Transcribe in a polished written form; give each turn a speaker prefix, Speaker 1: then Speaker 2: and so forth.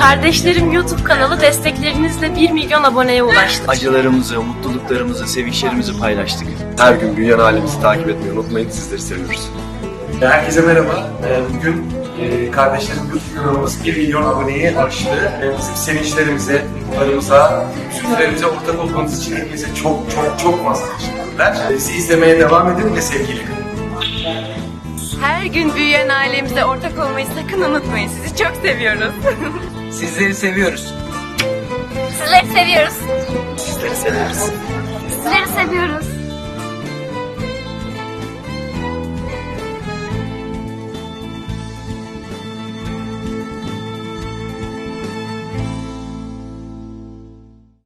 Speaker 1: Kardeşlerim YouTube kanalı desteklerinizle 1 milyon aboneye ulaştı.
Speaker 2: Acılarımızı, mutluluklarımızı, sevinçlerimizi paylaştık.
Speaker 3: Her gün büyüyen ailemizi takip etmeyi unutmayın. Sizleri seviyoruz.
Speaker 4: Herkese merhaba. Bugün kardeşlerim YouTube kanalımız 1 milyon aboneyi aştı. Bizim sevinçlerimize, mutlularımıza, üzüntülerimize ortak olmanız için hepinize çok fazla teşekkürler. Bizi izlemeye devam edin ve sevgiyle kalın.
Speaker 5: Her gün büyüyen ailemize ortak olmayı sakın unutmayın. Sizi çok seviyoruz.
Speaker 2: Sizleri seviyoruz.
Speaker 5: Sizleri seviyoruz.
Speaker 2: Sizleri severiz.